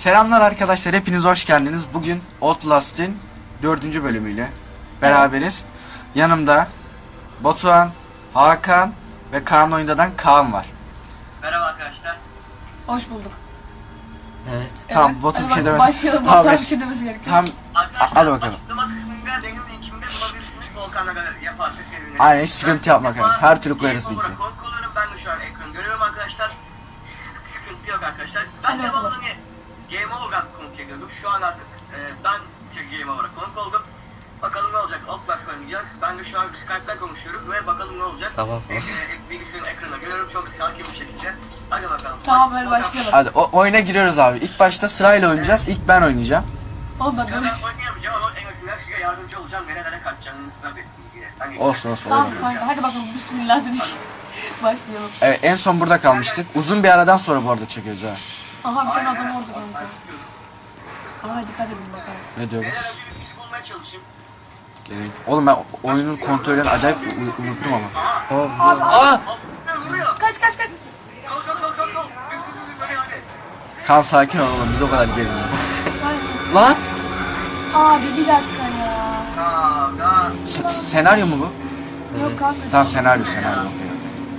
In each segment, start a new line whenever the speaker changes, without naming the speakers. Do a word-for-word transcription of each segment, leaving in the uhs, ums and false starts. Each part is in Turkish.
Selamlar arkadaşlar, hepiniz hoş geldiniz. Bugün Outlast'in dördüncü bölümüyle beraberiz. Yanımda Batuhan, Hakan ve Kaan Oyunda'dan Kaan var.
Merhaba arkadaşlar.
Hoş bulduk.
Evet.
Tamam,
Evet,
Batu
hadi
bir şey
bak,
demez.
Başlayalım.
Tamam,
Batuhan
biz-
bir şey demesi gerekiyor.
Tamam,
Arkadaşlar
hadi bakalım.
açıklama kısmında benim linkimde bulabilirsiniz. Volkan'la galeri yaparsa sevinirim.
Aynen, hiç sıkıntı yapma
Ben
kardeşim. Her türlü koyarız
Game
linki.
Over'a konuk oluyorum. Ben de şu an ekranı görüyorum arkadaşlar. Sıkıntı yok arkadaşlar. Ben
Hadi
devamlı
bakalım.
hani Game Over'a konuk ediyordum. Şu an artık e, ben Game Over'a konuk oldum. Bakalım ne olacak? Outlast oynayacağız. Ben de şu an Skype'den konuşuyoruz ve bakalım ne olacak?
Tamam, tamam.
E, e, bilgisayarın ekranına görüyorum. Çok sakin bir şekilde. Hadi bakalım.
Tamam, hadi
Volkan-
başlayalım.
Hadi o, oyuna giriyoruz abi. İlk başta sırayla oynayacağız. İlk ben oynayacağım.
Oğlum bak
Ya
böyle.
ben oynayamayacağım ama en azından size yardımcı olacağım. Nerelere kaçacağınızı da bildiğim gibi. Hani
Olsun olsun.
Tamam
olur.
kanka, hadi bakalım. Bismillah dedik. Başlayalım.
Evet, en son burada kalmıştık. Uzun bir aradan sonra bu arada çekiyoruz ha.
Aha bir tane adam orada kanka. Aha dikkat edin bakalım.
Ne diyor
Beyler
bu?
önce bir bizi bulmaya çalışayım.
Gerek. Oğlum ben oyunun kontrollerini acayip u- unuttum ama.
Abi,
Aa!
Aslında vuruyor.
Kaç kaç kaç.
Sol sol sol sol sol. Düz düz düz düz hadi hadi.
Kan sakin ol oğlum, biz o kadar gerilmiyoruz.
Ay,
Lan!
Abi bir dakika ya.
Tamam daha.
S- senaryo mu bu?
Yok kanka.
Tamam, senaryo senaryo okey okey.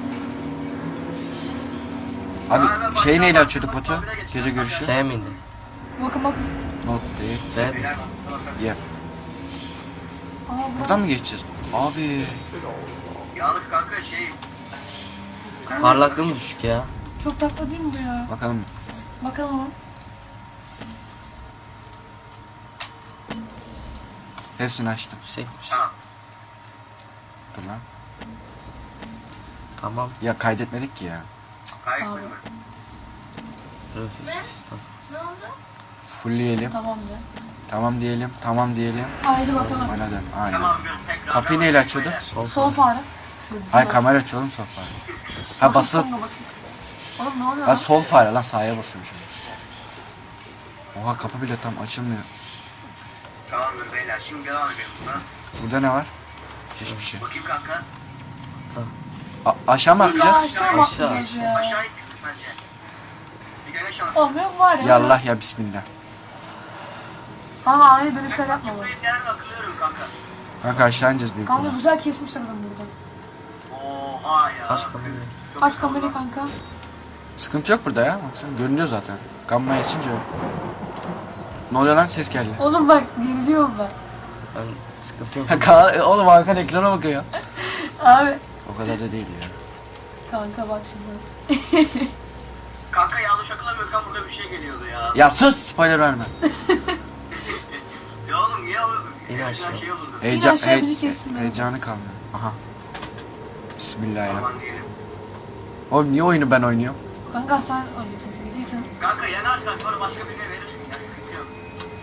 Abi şey neyle açıyorduk Batu? Gece görüşü.
F miydi?
Bakın bakın.
Not değil.
F mi?
Yep.
Aa bu.
Buradan mı geçeceğiz? Abi.
Yalnız kanka şey.
Parlaklığım düşük ya.
Çok tatlı değil mi bu ya?
Bakalım.
Bakalım o.
Hepsini açtım.
Yüksekmiş.
Tamam.
Dur lan.
Tamam.
Ya kaydetmedik ki ya.
Kayıt
Abi.
mı?
Profil. Tamam.
Fullleyelim.
Tamam de.
Tamam diyelim. Tamam diyelim.
Haydi bakalım.
Bana dön. Aynen.
Tamam bir tekrar.
Kapıyı neyle açıyorduk?
Sol
Sol fare.
Hayır, kamera aç oğlum, sol fare. Ha
Basılı.
basılı.
kanka, basılı. Oğlum ne oluyor
Ha
lan?
sol fare lan, sağa basıyormuşum. Oha, kapı bile tam açılmıyor.
Tamamdır beyler şimdi devam edelim buna.
Burada ne var? Hiçbir şey.
Bakayım kanka.
A- aşağı mı
İlla
atlayacağız?
aşağı mı
Aşağı,
atlayacağız ya?
Aşağı gittik bence. Bir dene şans.
Olmuyor mu var ya?
Ya Allah ya bismillah.
Ama ani dönüşler yapma bak.
Zıplayıp yerden atılıyorum kanka.
Kanka aşağı ineceğiz büyük
Kanka
ihtimalle.
güzel kesmişler adam burada.
Oha ya.
Aç kamerayı.
Çok
Aç
güzel
kamerayı
oldu.
kanka.
Sıkıntı yok burada ya. Baksana görünüyor zaten. Gamma açınca yok. Ne oluyor lan, ses geldi.
Oğlum bak geriliyorum ben.
Ben sıkıntı yok.
Ha, Kaan- oğlum Hakan ekrana bakıyor.
Abi.
O kadar da değil ya.
Kanka bak şimdi.
Kanka yanlış hatırlamıyorsam burada bir şey geliyordu ya.
Ya sus, spoiler verme.
Ya oğlum niye olurdu?
İn
Ya
aşağı.
Şey olurdu.
Heyecan,
aşağı bizi
hey-
kessin.
heyecanı kalmıyor. Aha. Bismillahirrahmanirrahim.
Aman diyelim.
Oğlum niye oyunu ben oynuyorum?
Kanka sen oynayacaksın şimdi değil sen.
Kanka yanarsan sonra başka birine verirsin ya. Sıkıntı yok.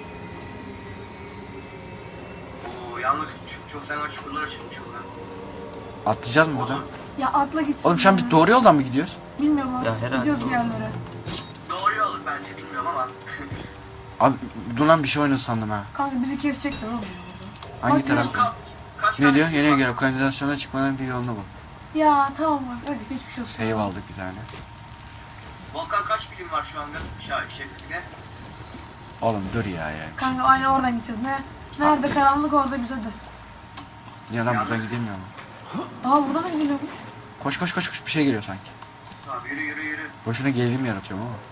Oo yalnız çok, çok fena çukurlara çıkmış oradan.
Atlayacağız mı buradan?
Ya atla gitsin.
Oğlum şu an
ya.
biz doğru yoldan mı gidiyoruz?
Bilmiyorum abi.
Ya herhalde
Gidiyoruz bir
doğru.
yerlere.
Doğru yol bence bilmiyorum ama.
Abi dur lan, bir şey oynadı sandım ha.
Kanka bizi kesecekler oğlum.
Hangi
Bak,
taraf?
Ka- kaç
Ne
tane
diyor?
çukur
Yeni
var?
göre kanalizasyona çıkmanın bir yolunu bul.
Ya tamam bak hadi hiçbir şey yok.
Save aldık bir tane.
Volkan kaç bilim var şu anda? Şah şeklinde.
Oğlum dur ya ya.
Kanka aynı oradan gideceğiz. Ne? Nerede karanlık orada bize de.
Niye lan, buradan gidemiyor mu?
Aa buradan da gidiyormuş.
Koş koş koş koş, bir şey geliyor sanki.
Tamam yürü yürü yürü.
Boşuna gerilim yaratıyorum ama.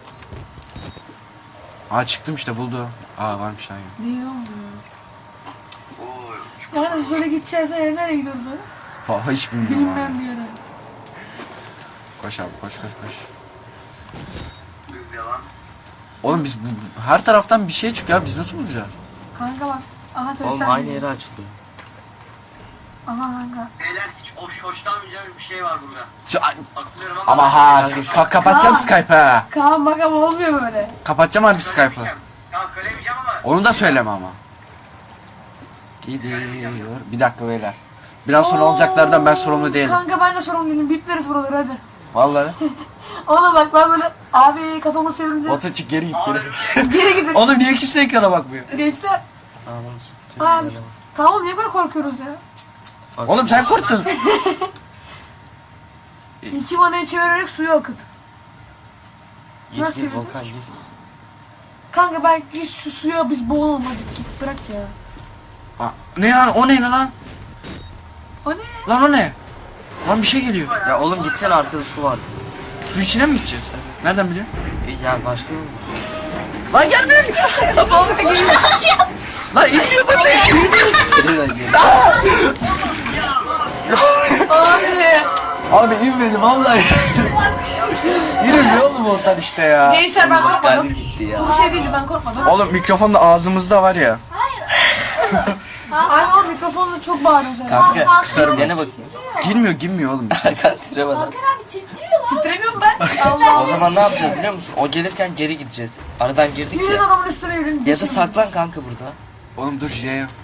Aa çıktım işte, buldu. Aa varmış lan ya.
Değil oğlum ya.
Oo çukur.
Yani şöyle gideceğiz ya nereye gidiyoruz öyle?
Vallahi hiç bilmiyorum
Bilinmeyen
abi.
bir yere.
Koş abi, koş koş koş.
Düz devam.
Oğlum biz bu, her taraftan bir şey çıkıyor, biz nasıl bulacağız?
Kanka bak. Aha sesler.
Oğlum aynı
geliyor.
yere açılıyor.
Aha kanka.
Beyler hiç hoş hoşlanmayacağım bir şey var burada.
Şu- a-
Atlıyorum ama.
Ama ha, ka- kapatacağım
Kaan.
Skype'ı ha.
Kaan bak ama olmuyor böyle.
Kapatacağım harbi Skype'ı.
Söylemeyeceğim. Tamam söylemeyeceğim ama.
Onu da söyleme ama. Gidiyor. Bir dakika beyler. Biraz sonra olacaklardan ben sorumlu değilim.
Kanka ben de sorumlu değilim. Bipleriz buraları hadi.
Vallahi.
Oğlum bak ben böyle abi kafamı çevirince
Batu çık, geri git geri.
geri gidin.
Oğlum niye kimse ekrana bakmıyor?
Gençler.
Tamam sıkıntı yok.
Aa,
Öyle bak.
tamam niye böyle korkuyoruz ya?
Bak,
Oğlum sen korktun.
İki vanayı çevirerek suyu akıt.
Git
nasıl
git
yürüdün?
Volkan git.
Kanka belki şu suya biz boğulalım hadi git bırak ya.
Aa, ne lan o ne lan?
O ne?
Lan o ne? Lan bir şey geliyor.
Ya oğlum gitsene arkada su var.
Su içine mi gideceğiz? Nereden biliyorsun?
E, ya başka yol mu?
Lan gelmiyor. Lan iniyor bana.
Nereden geliyor?
Abi.
Abi inmedi vallahi. Yürümüyor oğlum olsan işte ya.
Neyse ben korkmadım.
Kalbim gitti ya.
Bu bir şey değildi ben korkmadım.
Oğlum mikrofon da ağzımızda var ya.
Ay o mikrofonla çok bağırıyorsun.
Kanka kısarım. Dene bakayım.
Girmiyor girmiyor oğlum.
Kanka titremeden.
Titremiyorum ben. Allah
O zaman ne yapacağız biliyor musun? O gelirken geri gideceğiz. Aradan girdik
Yürüyün
ya.
adamın üstüne yürüyün.
Ya da saklan kanka burada.
Oğlum dur J.
Oğlum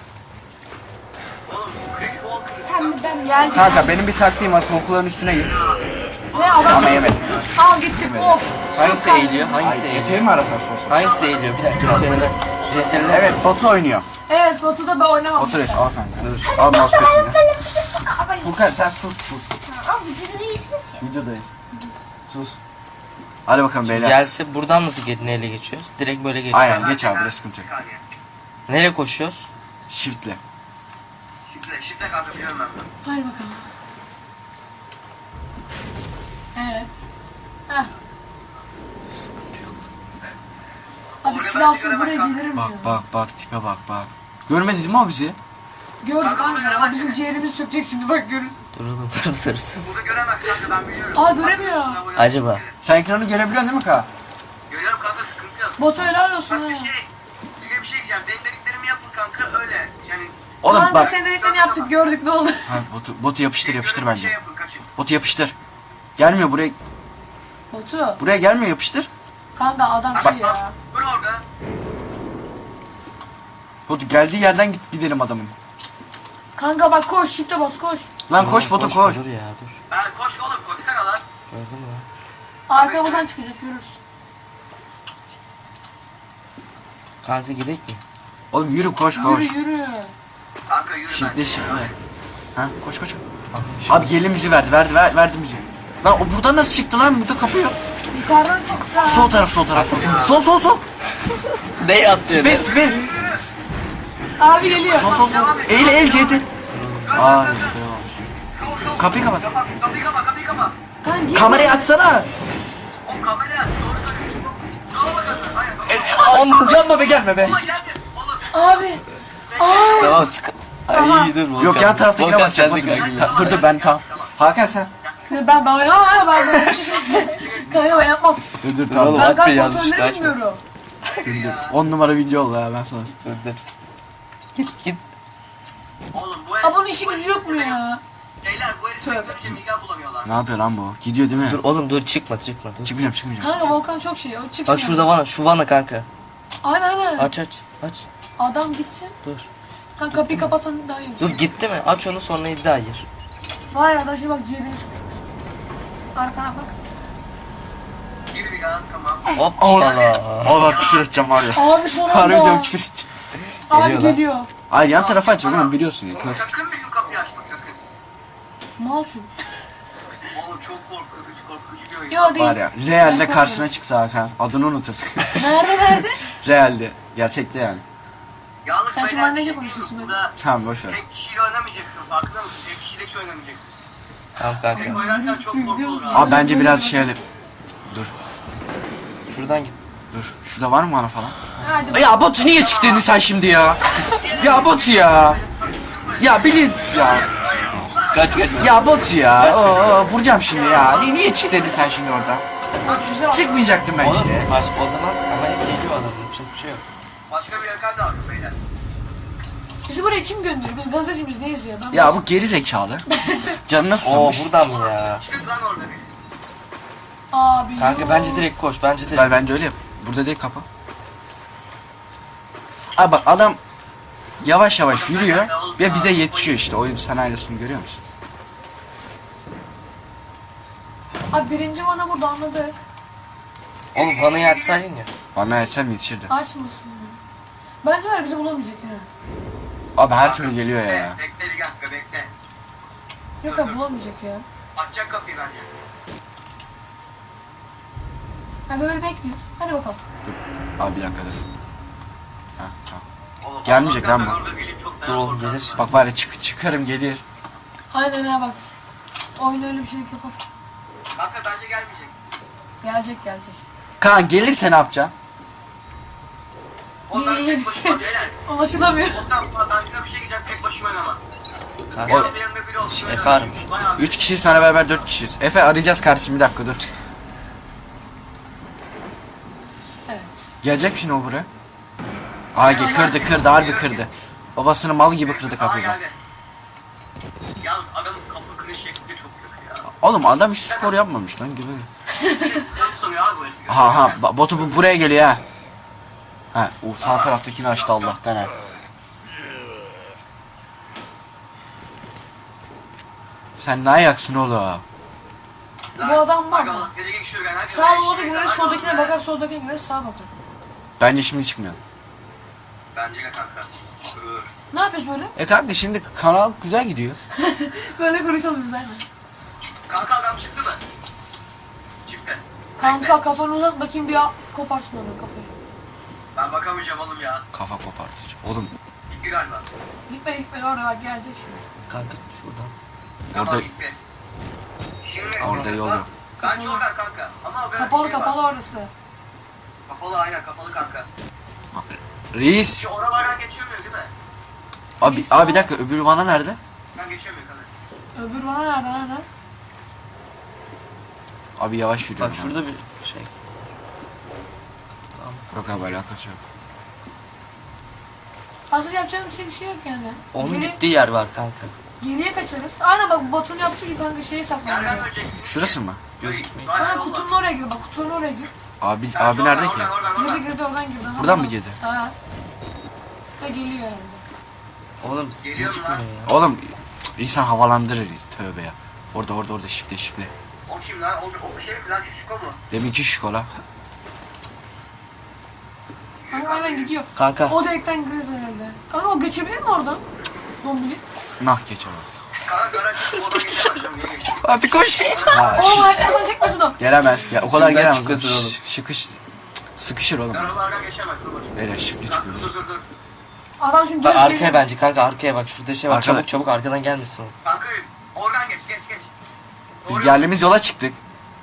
Chris Walker.
Sen mi ben geldim.
Kanka benim bir taktiğim var. Korkuların üstüne gir.
Ne adam?
Ama yemedim.
Al gittim of.
Hangisi
Çok
eğiliyor?
Ay
Hangisi
Efe'yi
eğiliyor?
mi arasan sorsan?
Hangisi eğiliyor? Bir dakika. Cetvel'le.
Evet Batu oynuyor.
Evet Batu'da ben oynamam.
Otur es al kanka. Dur. Al mousepad'ini. Furkan sen sus sus.
Abi videoda değilsiniz ya.
Videodayız. Sus. Hadi bakalım beyler.
Gelse buradan nasıl ge- neyle geçiyoruz? Direkt böyle geçiyoruz.
Aynen geç abi burası sıkıntı yok.
Saniye.
Neyle koşuyoruz?
Shift'le.
Şifre, şifre kanka biliyorum ben.
Hadi bakalım. Evet. Heh.
Sıkıntı yok.
Abi silahsız buraya gelirim
Bak
ya.
bak bak tipe bak bak. Görmedi değil mi o bizi?
Gördük kanka. Aa, bizim ciğerimiz sökecek şimdi bak görürsün.
Dur oğlum dur dur sus.
Burada göremez kanka ben biliyorum.
Aa, göremiyor.
Acaba?
Sen ekranı görebiliyorsun değil mi Ka?
Görüyorum kanka sıkıntı yok.
Batu helal olsun
Bak
ha.
bir şey, size bir şey diyeceğim. Benim dediklerimi yapın kanka öyle. Yani
Oğlum
Kanka
bak.
senin dediklerini yaptık gördük ne oldu.
Ha, botu, botu yapıştır yapıştır
bir şey
bence.
yapın kaçın.
Botu yapıştır. Gelmiyor buraya.
Batu.
Buraya gelmiyor yapıştır.
Kanka adam
Bak
şey
bas.
ya.
Dur orada.
Botu geldiği yerden git gidelim adamın.
Kanka bak koş shift'e bas koş.
Lan koş Botu koş.
Dur ya dur.
Ben koş oğlum koşsana lan.
Gördün mü?
Arkamızdan çıkacak görürsün.
Kanka gidelim mi?
Oğlum yürü koş koş.
Yürü yürü.
Kanka yürü
Shift'le
ben.
shift'le. Ha koş koş. Abi geri müziği verdi verdi ver, verdi müziği. Lan o buradan nasıl çıktı lan? Burada kapı yok.
Yukarıdan çıktı.
Sol taraf sol taraf. Sol sol sol.
Ne yaptın?
Space space.
Abi geliyor.
Sol sol sol. Eğil eğil Ceytin. Aa devam.
Sol, sol.
Kapıyı kapat.
Kapa, kapıyı kapa kapıyı kapa.
Kanka git.
Kamerayı açsana.
O kamerayı aç doğru söylüyorsun. Sola bak kanka. Hayır.
Oğlum yanma be gelme be.
Ulan geldi. Oğlum.
Abi. Aa.
Tamam sıkı.
Aha.
Ay iyi dur Volkan.
Yok yan taraftakine
Volkan,
bakacağım.
sen de
Dur
kanka.
dur, dur ben tamam. Hakan sen.
Ben ben oynamam ha ben böyle bir şey. Kanka ben yapmam.
Dur dur
Oğlum,
Ben
Hakkı
kanka
yanlış
kontrolleri
kaçma.
bilmiyorum.
on numara video oldu ya ben sana.
Dur dur. Git git.
Oğlum bu
Aa bunun işi gücü yok mu ya?
Beyler bu herifleri görünce midem bulamıyorlar.
Ne yapıyor lan bu? Gidiyor değil mi?
Dur oğlum dur çıkma çıkma dur.
Çıkmayacağım çıkmayacağım.
Kanka Volkan çok şey o çıksın.
Bak şurada vana şu vana kanka.
Aynen aynen.
Aç aç aç.
Adam gitsin.
Dur.
Kanka kapıyı kapatsan daha iyi.
Dur gitti mi? Aç onu sonra bir daha gir.
Vay adam şimdi bak ciğerini sıkıyor. Arkana bak.
Gir bir lan tamam.
Hoppala.
Allah küfür edeceğim var ya.
Abi son
Harbi diyorum
anda.
küfür edeceğim.
Abi
Geliyor lan.
geliyor.
Hayır yan tarafa açacağım oğlum biliyorsun ya klasik.
Sakın bizim kapıyı açma sakın.
Mal çünkü.
Oğlum çok korkutucu korkutucu bir oyun.
Yo değil.
Var ya realde karşına çıksa Hakan adını unutursun.
Nerede nerede?
realde. Gerçekte yani.
Yalnız
Sen şimdi
beyler,
annece
bir şey
konuşuyorsun
diyeyim mi?
böyle.
Burada
Tamam boş ver.
tek kişiyle oynamayacaksın farkında mısın? Tek kişiyle hiç oynamayacaksın.
Tamam
Tek
kanka.
oynarsan çok korku olur abi.
Abi bence biraz şey Cık, dur
Şuradan git.
dur. Şurada var mı bana falan?
Hadi.
Ya Batu niye çıktın sen şimdi ya? Ya Batu ya. Ya bilin ya.
Kaç kaç.
Ya Batu ya. Oo, vuracağım şimdi ya. Niye, niye çıktın sen şimdi orada?
Güzel oldu.
Çıkmayacaktım ben işte.
Oğlum baş, o zaman ama hep geliyor adam. Yapacak bir şey yok.
Başka bir yakar da aldım beyler.
Bizi buraya kim gönderiyor? Biz gazetecimiz neyiz ya? Ben
Ya bu geri zekalı. Canına
Oo
susamış.
buradan mı ya?
Çıktık lan orada biz.
Abi
Kanka
yo.
bence direkt koş. Bence direkt.
Ben bence öyle yap. Burada değil kapı. Abi bak adam yavaş yavaş yürüyor ve bize yetişiyor işte. Oyun senaryosunu görüyor musun?
Abi birinci bana burada anladık.
Oğlum vanayı açsaydın ya.
Bana etsem yetişirdi.
Açmasın. Bence var ya bizi bulamayacak ya.
Abi her türlü geliyor ya.
Bekle bir dakika bekle.
Yok abi bulamayacak ya.
Açacak kapıyı bence.
Ha böyle bekliyoruz. Hadi bakalım.
Abi bir dakika dur. Ha, tamam.
Oğlum,
Gelmeyecek lan bu.
ben orada geleyim, çok
Dur oğlum,
korkarım.
gelir.
Bak var ya çık çıkarım gelir.
Aynen ha bak. Oyun öyle bir şey yapar.
Kanka bence gelmeyecek.
Gelecek gelecek.
Kaan gelirse ne yapacaksın?
Oğlum ben tek başıma beyler.
Ulaşılamıyor.
Ondan sonra ben size bir şey gideceğim, tek başıma oynamam.
Kanka.
Oğlum yanımda biri olsun.
Efe
öyle
aramış.
bayağı bir-
Üç kişiyiz sana beraber dört kişiyiz. Efe arayacağız kardeşim bir dakika dur.
Evet.
Gelecek mi şimdi o buraya? Aa kırdı kırdı harbi kırdı. Babasının mal gibi kırdı
Aa,
kapıyı. bak.
geldi. Ya adamın kapı kırış şekli çok kötü ya.
Oğlum adam hiç spor yapmamış lan gibi.
Nasıl soruyor abi bu herif?
Aha aha ba- botu bu buraya geliyor ha. Ha o sağ taraftakini açtı Allah'tan ha. Sen ne ayaksın oğlum?
Bu adam var mı? Sağa doğru gireriz, soldakine bakar, soldakine gireriz, sağa bakar.
Bence şimdi çıkmıyor.
Bence de kanka. Dur.
Ne yapıyoruz böyle?
E kanka şimdi kanal güzel gidiyor.
Böyle konuşalım biz aynen.
Kanka adam çıktı mı? Çıktı.
Kanka kafanı uzat bakayım bir koparsın onu kafayı.
Ben bakamayacağım oğlum ya.
Kafa kopartıcı. Oğlum
Gitti galiba.
Gitme gitme oraya bak gelecek şimdi.
Kanka şuradan.
orada
Tamam, gitti. Şimdi
orada yol yok.
Bence oradan kanka. Ama o kadar
Kapalı
şey var.
kapalı orası.
Kapalı aynen kapalı kanka.
Reis.
Şu oralardan geçemiyor değil mi?
Abi
Reis
abi bir
var.
dakika öbür vana nerede?
Ben geçemiyor kanka.
Öbür bana nerede nerede?
Abi yavaş yürüyor.
Bak şurada bir şey.
Yok abi alakası yok.
Aslında yapacağım bir şey, bir şey yok yani.
Onun
Geri-
gittiği yer var kanka.
Geriye kaçarız. Aynen bak Batu'nun yaptığı gibi kanka şeyi saklanıyor.
Nereden döneceksin?
Şurası mı?
Gözükmüyor.
Kanka kutunun oraya gir bak kutunun oraya gir.
Abi abi nerede ki?
Oradan oradan
Girdi
oradan.
girdi oradan girdi. Aha,
Buradan mı
aha.
girdi?
Ha. Ve geliyor herhalde.
Oğlum
Geliyor mu
gözükmüyor
lan?
ya.
Oğlum cık, insan havalandırır tövbe ya. Orada orada orada şifte şifte.
O kim lan? O, o şey mi lan? Şu şuko mu?
Deminki şikola.
Kanka aynen gidiyor.
Kanka.
O delikten gireriz herhalde. Kanka o geçebilir mi oradan? Cık, Dombili.
Nah geçer orada.
Kanka garaj çıkıp oradan geçemezdim. Niye geçeyim?
Hadi koş. Ha,
Oğlum hayatımdan çekmesin o.
gelemez ya. O kadar
Şuradan
gelemez.
çıkmasın
Şş,
oğlum.
Şıkış cık, sıkışır oğlum.
Oralardan geçemezsin. Dur.
Nereye şifre
Kanka
çıkıyoruz.
dur dur dur.
Adam şimdi
Bak
geri
arkaya
geliyor.
bence kanka arkaya bak şurada şey var.
Arkada.
Çabuk çabuk arkadan gelmesin o.
Kanka oradan geç geç geç.
Biz
Doğru.
geldiğimiz yola çıktık.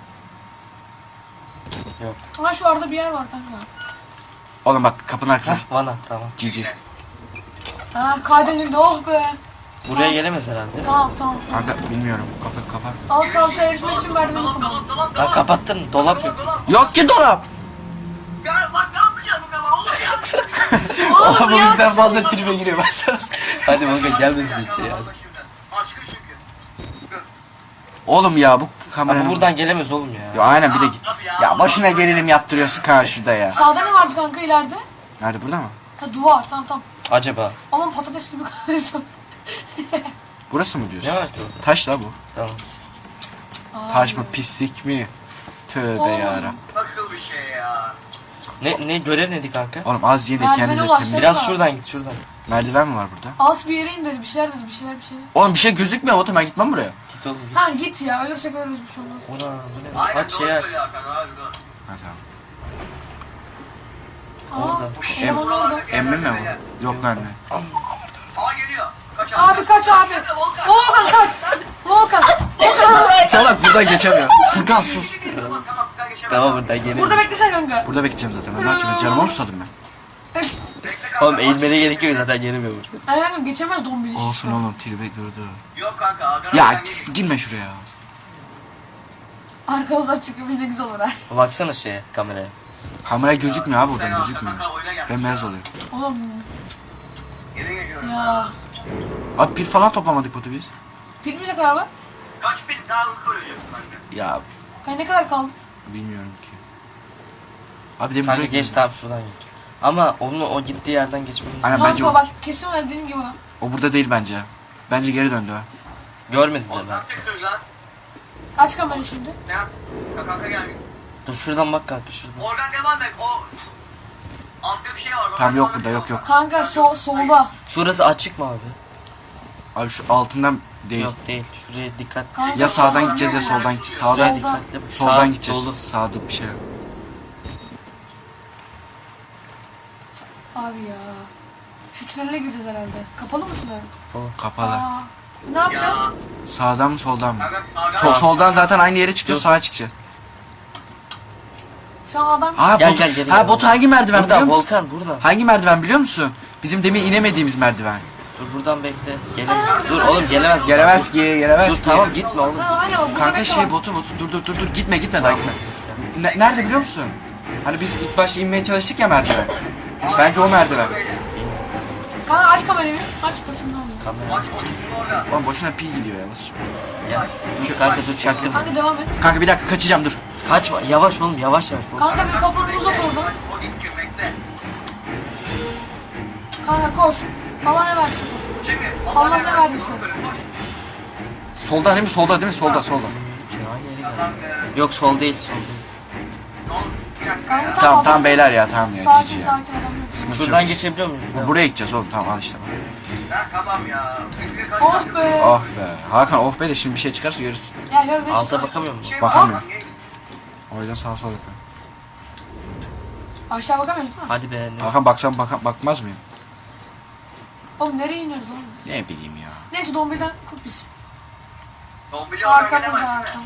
Ha şu arada bir yer var kanka.
Oğlum bak kapının arkasında.
Hah vana tamam.
Cici.
Ha kaydenildi oh be.
Buraya gelemez herhalde.
Tamam tamam.
Kanka bilmiyorum. Kapat kapat.
Alt kavşağa erişmek için merdiveni
Dolap
kapat.
dolap dolap
Lan
dolap.
kapattın dolap yok.
Dolap dolap.
Yok ki dolap.
Ya bak ne yapacağım bu kadar oğlum ya.
Oğlum ya.
bizden fazla tribe giriyor ben sana.
Hadi bakalım gelmesin işte ya.
Aşkım çünkü.
Oğlum ya bu kamera.
Ama buradan gelemez oğlum ya.
Ya aynen bir de git. Ya boşuna gerilim yaptırıyorsun karşıda ya.
Sağda ne vardı kanka ileride?
Nerede burada mı?
Ha duvar tamam tamam.
Acaba
Aman patates gibi kalıyorsun.
Burası mı diyorsun?
ne var ki orada?
Taş la bu.
Tamam.
Taş mı pislik mi? Tövbe
Oğlum.
yarabbim.
Nasıl bir şey ya?
Ne ne görev neydi kanka?
Oğlum az yiyin de
Merdivene
kendinize
ulaşacağız.
temiz.
Biraz şuradan git şuradan.
Merdiven mi var burada?
Alt bir yere in dedi bir şeyler dedi bir şeyler bir şeyler.
Oğlum bir şey gözükmüyor oğlum ben gitmem buraya.
Git oğlum git.
Ha git ya ölürsek ölürüz bir şey olmaz.
Ona bu ne?
Aynen
Aç
doğru
şey aç.
söylüyor Hakan abi doğru.
Ha tamam.
Aa,
Orada.
Em-
Em orada.
Emmi mi bu? Yok lan ne?
Aa geliyor. Kaç
Abi kaç abi.
Volkan.
Volkan kaç. Volkan. Volkan.
Salak buradan geçemiyor. Furkan sus.
Tamam tamam Furkan geçemez.
Tamam buradan gelelim.
Burada beklesen kanka.
Burada bekleyeceğim zaten. Ben ne yapacağım? Canıma mı susadım ben?
Bekle kanka.
Oğlum eğilmene gerek yok zaten gelemiyor burada.
Aynen geçemez dombili.
Olsun oğlum tribe durdu.
Yok kanka. Hakan
Ya
abi sen
girme şuraya.
Arkamızdan çıkıp bir de güzel olur ha.
Baksana şeye kameraya.
Kamera gözükmüyor abi
gel.
buradan gözükmüyor.
Kanka oyuna gel.
Bembeyaz oluyor.
Oğlum
Geri geliyorum.
ya.
Abi pil falan toplamadık botu biz.
Pilimiz ne kadar var?
Kaç bin daha hızlı söyleyeceksin kanka.
Ya
Kanka ne kadar kaldı?
bilmiyorum ki. Abi demin
Kanka
buraya
geç tamam şuradan geç. Ama onu o gittiği yerden geçmemiz
Aynen
Kanka
bence o,
bak kesin var dediğim gibi. ha.
o burada değil bence. Bence geri döndü ha.
görmedim de
Oğlum
ben.
nasıl çekiyorsun lan?
Aç kamerayı şimdi.
Ne yap? Kanka gel.
Dur şuradan bak kanka şuradan.
Oradan devam et. O altta bir şey var.
Tamam yok burada yok yok.
Kanka sol solda.
Şurası açık mı abi?
Abi şu altından değil.
Yok değil. Şuraya dikkat.
Kanka,
Ya sağdan
solda.
gideceğiz ya soldan gideceğiz.
Şuraya
Sağdan,
Soldan.
dikkatli bak.
soldan
Sağ,
gideceğiz.
dolu.
Sağda bir şey. yok.
Abi ya. Şu tünele gireceğiz herhalde. Kapalı mı tünel?
Kapalı.
Aa, ne yapacağız?
Ya.
Sağdan mı soldan mı?
Kanka sağdan.
Sol, soldan zaten aynı yere çıkıyor,
Dur.
sağa çıkacağız.
Şu an adam...
Ha,
Gel,
Bot,
gel, geri
ha
gel.
Bot hangi merdiven
Burada
biliyor musun?
Volkan burada.
Hangi merdiven biliyor musun? Bizim demin inemediğimiz merdiven.
Dur buradan bekle. Gelemez. Dur oğlum gelemez.
Gelemez ki, gelemez
Dur
ki.
tamam gitme oğlum.
Ha, aynen, burada
Kanka
bekle
şey
var.
botu botu dur dur dur dur gitme gitme daha gitme. Ne- nerede biliyor musun? Hani biz ilk başta inmeye çalıştık ya merdiven. Bence o merdiven.
Kanka aç kamerayı bir. Aç bakayım ne oluyor.
Kamera.
Aç boşluğunu orada.
Oğlum boşuna pil gidiyor ya. boş.
Gel. Şu kanka dur çaktırma.
Kanka devam et.
Kanka bir dakika kaçacağım dur.
Kaçma. Yavaş oğlum yavaş yavaş.
Kanka bir kafanı uzat oradan.
Aç o gitsin bekle.
Kanka koş. Allah ne versin koş.
Şimdi
Allah ne verdiyse.
Solda değil mi? Solda değil mi? Solda solda.
Ya aynı yere geldi. Yok sol değil sol değil.
Kanka
Tamam
adam-
tamam beyler ya tamam ya
Sakin
cici ya.
sakin adam yok.
Sıkıntı
Şuradan
yok.
geçebiliyor muyuz? Devam.
Buraya gideceğiz oğlum tamam al işte.
Ha tamam ya.
Oh be.
Oh be. Hakan oh be de şimdi bir şey çıkarsa görürsün.
Ya gel geç.
Alta bakamıyor musun?
Bakamıyorum. O yüzden sağa sola yapıyorum.
Aşağı bakamıyoruz değil mi?
Hadi be. Ne?
Hakan baksam baka, bakmaz mıyım?
Oğlum nereye iniyoruz lan?
Ne bileyim ya.
Neyse Dombi'den kurt biz.
Dombili oradan
Arka burada
gelemez.
arka.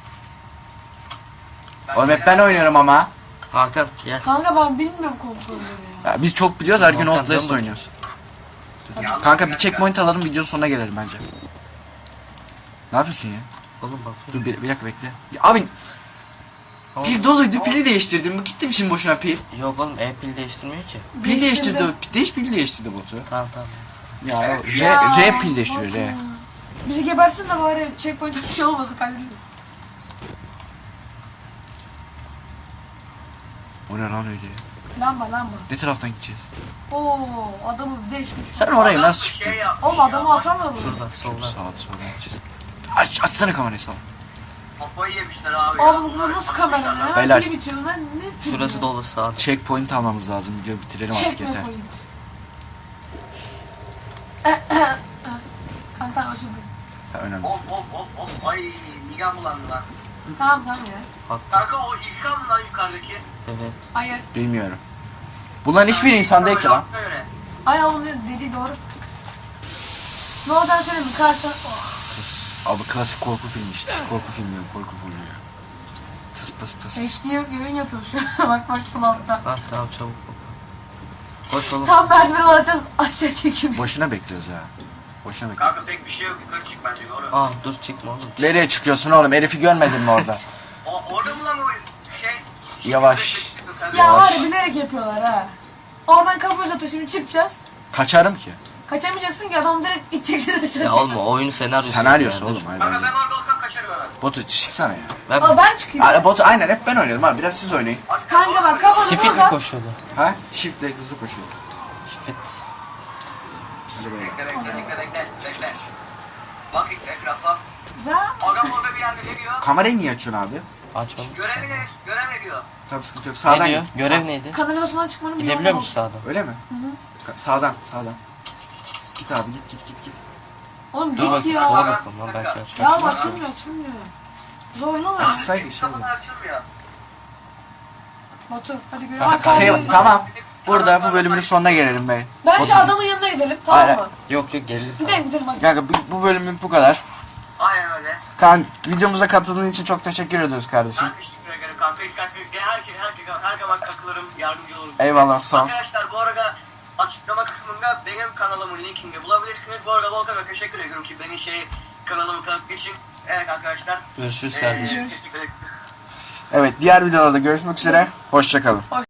Oğlum hep ben oynuyorum ama.
Hakan gel.
Kanka ben bilmiyorum kontrolleri ya.
Ya biz çok biliyoruz her gün
Hakan,
Outlast
dön
oynuyoruz. Kanka bir checkpoint alalım videonun sonuna gelelim bence. Ne yapıyorsun ya?
Oğlum bak.
Dur bir, bir dakika bekle. Ya abi pil doluydu pili değiştirdim. Bu gitti mi şimdi boşuna pil?
Yok oğlum e-pil değiştirmiyor ki.
Pil değiştirdi. o. Değiş pil değiştirdi botu.
Tamam tamam.
Ya o R,
Ya,
R pil değiştiriyor R.
Bizi gebersin de bari checkpoint şey olmasın kaydedilmesin.
O ne lan öyle?
Lamba lamba.
Ne taraftan gideceğiz?
Oo adamı değişmiş.
Sen oraya nasıl çıktın?
Şey yap.
Oğlum adamı asamıyor mu?
Şuradan soldan.
Sağa sola gideceğiz. Aç, açsana kamerayı sağ.
Kafayı yemişler abi.
Abi bu nasıl kamera ya?
Beyler.
Biri bitiyor lan ne?
Şurası dolu sağ.
Checkpoint almamız lazım. Videoyu bitirelim artık
Çekme
yeter.
koyayım. Kanka tamam özür dilerim.
Ha, önemli.
Hop hop hop hop. Ay midem bulandı lan.
Tamam tamam ya.
Kanka o İhsan mı lan yukarıdaki?
Evet.
Hayır.
Bilmiyorum. Bunların hiçbir insan değil ki lan.
Öyle.
Hayır onun dediği doğru. Ne olacağını söyleyeyim mi? Karşıdan... Oh.
Tıs. Abi klasik korku filmi işte. Korku filmi yok, korku filmi ya. Tıs pıs pıs.
H D yayın yapıyor şu an. Bak bak sol altta.
Ha tamam çabuk bakalım. Koş oğlum.
Tam merdiven alacağız aşağı çekiyoruz.
Boşuna bekliyoruz ya. Boşuna bekliyoruz.
Kanka pek bir şey yok. Yukarı çık bence doğru.
Aa dur çıkma oğlum.
Nereye çıkıyorsun oğlum? Herifi görmedin mi orada?
O, orada mı lan o şey?
Yavaş.
Ya
Yavaş.
var ya bilerek yapıyorlar ha. Oradan kafa uzatıyor şimdi çıkacağız.
Kaçarım ki.
Kaçamayacaksın ki adam direkt iteceksin aşağı.
Ya oğlum o oyunun senaryosu.
Senaryosu
yani.
oğlum. Aynen.
Kanka ben orada olsam kaçarım hemen.
Botu çıksana ya.
Ben
Aa ben çıkayım.
Abi botu aynen hep ben oynadım abi. Biraz siz oynayın.
Kanka bak kafanı
Sifitli
uzat.
koşuyordu.
Ha? Shift'le hızlı koşuyor.
Sifit.
Hadi böyle.
Bekle bekle bekle bekle bekle. Bak etrafa.
Güzel.
Adam orada bir yerde ne diyor?
Kamerayı niye açıyorsun abi?
Açmam.
Görev ne? Görev ne diyor?
Tabii sıkıntı yok.
Ne
Sağdan
diyor?
git.
Görev
Sağ-
neydi?
Kanalizasyona çıkmanın bir
Gidebiliyor
yolu
musun sağdan?
Öyle mi? Ka- Sağdan, sağdan. Git abi git git git git.
Oğlum
Dur
git
bakayım
ya.
sola bakalım lan belki aç.
Ya açılmıyor açılmıyor. Zorlama.
Açsaydı şey olur.
Kapılar açılmıyor.
Batu hadi görev.
Kanka,
Bak,
Şey,
abi.
tamam. Burada bu bölümün sonuna gelelim be.
Bence
Batu-
adamın yanına gidelim tamam
Hayır.
mı?
Yok yok gelelim.
Gidelim gidelim hadi.
Kanka bu, bu bölümün bu kadar.
Aynen öyle.
Kan videomuza katıldığın için çok teşekkür ediyoruz kardeşim.
Ben teşekkür ederim kanka. İsterseniz gel herkese herkese her zaman takılırım, yardımcı olurum.
Eyvallah sağ ol.
Arkadaşlar bu arada açıklama kısmında benim kanalımın linkini de bulabilirsiniz. Bu arada Volkan'a teşekkür ediyorum ki beni şey kanalımı tanıttığı için. Evet arkadaşlar.
Görüşürüz
Ee,
kardeşim.
teşekkür ederim.
Evet diğer videolarda görüşmek üzere. Hoşçakalın.